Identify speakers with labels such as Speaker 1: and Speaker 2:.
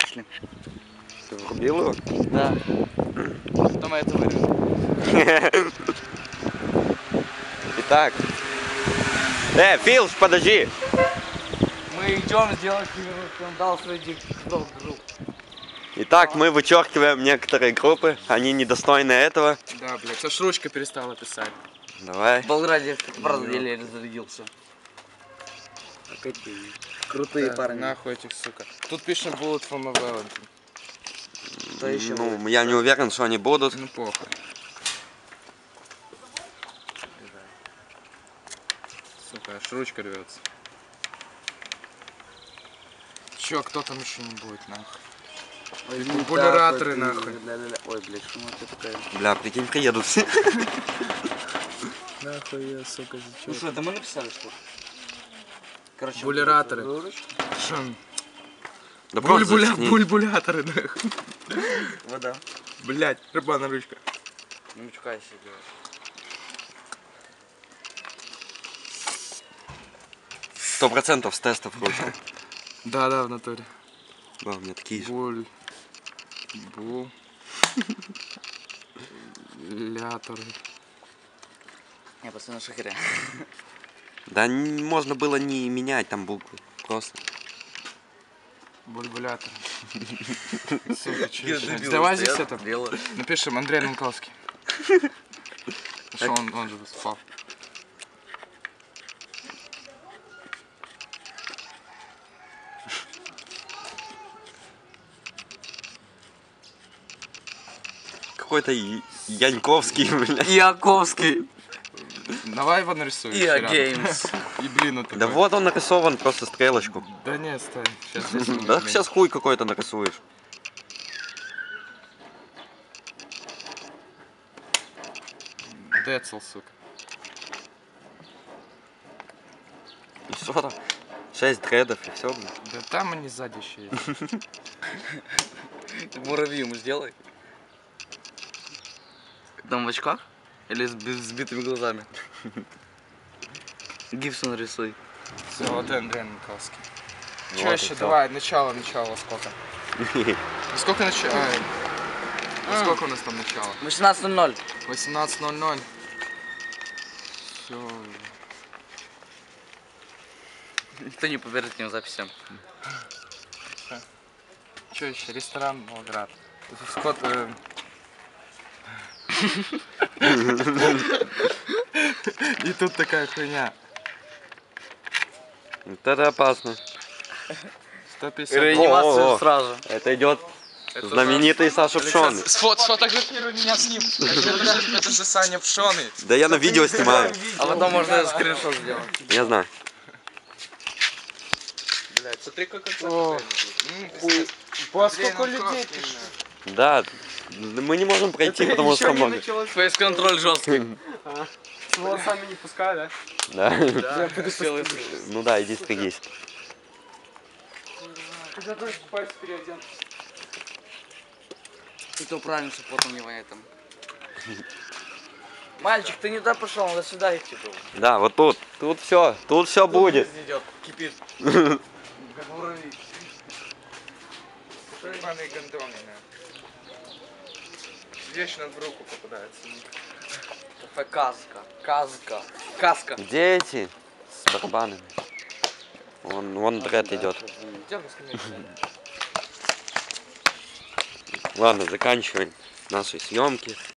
Speaker 1: пошли.
Speaker 2: Ты врубил его?
Speaker 1: Да. Потом это вырежу.
Speaker 2: Итак. Филш, подожди!
Speaker 1: Мы идем сделать скандал среди групп.
Speaker 2: Итак, мы вычеркиваем некоторые группы, они недостойны этого.
Speaker 3: Да, блядь, аж ручка перестала писать.
Speaker 2: Давай.
Speaker 1: В Болграде правда деле разрядился. Крутые
Speaker 3: Да,
Speaker 1: парни.
Speaker 3: нахуй этих, сука. Тут пишем Bullet for my Valentine.
Speaker 1: Что еще?
Speaker 2: Ну, я не уверен, что они будут.
Speaker 3: Ну похуй. Сука, аж ручка рвется. Чё, кто там еще не будет, нахуй?
Speaker 1: Ой,
Speaker 3: Популяраторы, нахуй.
Speaker 1: Ой, блядь, что это такая?
Speaker 2: Бля, прикинь, приедут все.
Speaker 3: Нахуй я, сука,
Speaker 1: Ну
Speaker 3: зачем?
Speaker 1: что, это мы написали, что ли? Короче,
Speaker 3: Булераторы.
Speaker 1: ручку.
Speaker 2: Да просто зачни.
Speaker 3: Бульбуляторы, нахуй.
Speaker 1: Вода.
Speaker 3: Блять, рыбана ручка.
Speaker 1: Не мучкайся, блядь.
Speaker 2: 100% с тестов ручка.
Speaker 3: Да, в натуре.
Speaker 2: Да, у меня такие же.
Speaker 3: Ляторы.
Speaker 1: Я просто на шахере.
Speaker 2: Да можно было не менять там буквы. Просто.
Speaker 3: Бульбулятор. Сука, давай здесь это. Напишем Андрей Нанковский. Что он же выступал.
Speaker 2: Какой-то Яньковский, блядь.
Speaker 1: Яковский.
Speaker 3: Давай его нарисуем.
Speaker 1: Иа Геймс.
Speaker 3: И блин, вот
Speaker 2: Да вот он нарисован, просто стрелочку.
Speaker 3: Да не, стой. Сейчас
Speaker 2: Да сейчас хуй какой-то нарисуешь.
Speaker 3: Децл, сука.
Speaker 2: И что там? 6 дредов и все, блин.
Speaker 3: Да там они сзади еще есть.
Speaker 1: Муравьи ему сделай. Там в очках? Или с сбитыми глазами? Гибсон рисуй.
Speaker 3: Все, вот Андрей Нанковский.
Speaker 2: Вот
Speaker 3: Че
Speaker 2: и
Speaker 3: еще?
Speaker 2: всё.
Speaker 3: Давай, начало, сколько? Сколько начало? Сколько у нас там начало?
Speaker 1: 18:00.
Speaker 3: 18:00. Все.
Speaker 1: Никто не поверит этим записям.
Speaker 3: Че еще? Ресторан Болград. Скот... И тут такая хуйня.
Speaker 2: Вот это опасно.
Speaker 3: 150.
Speaker 1: Реанимацию
Speaker 2: О.
Speaker 1: сразу.
Speaker 2: Это идет знаменитый Саша Пшоный.
Speaker 3: Сфотографируй меня с ним. Это же Саня Пшоный.
Speaker 2: Да я на видео снимаю.
Speaker 1: А потом можно скриншот сделать.
Speaker 2: Я знаю.
Speaker 3: Блять, смотри, как это. Сколько людей ты?
Speaker 2: Да, мы не можем пройти, потому что много.
Speaker 1: Фейс-контроль жесткий.
Speaker 3: С волосами не пускай, да?
Speaker 2: Да.
Speaker 1: Да,
Speaker 2: Ну да, иди стригись.
Speaker 3: Когда ты пальцы переоден.
Speaker 1: И то правильно, что потом не воняет там. Мальчик, ты не туда пошел, надо сюда идти был.
Speaker 2: Да, вот тут. Тут все будет.
Speaker 1: Идет, кипит.
Speaker 3: Ебаные гондоны, вечно в руку попадается.
Speaker 1: Каска. Каска.
Speaker 2: Где эти? С барабанами. Вон дред идет.
Speaker 1: Идем на скамейку.
Speaker 2: Ладно, заканчиваем наши съемки.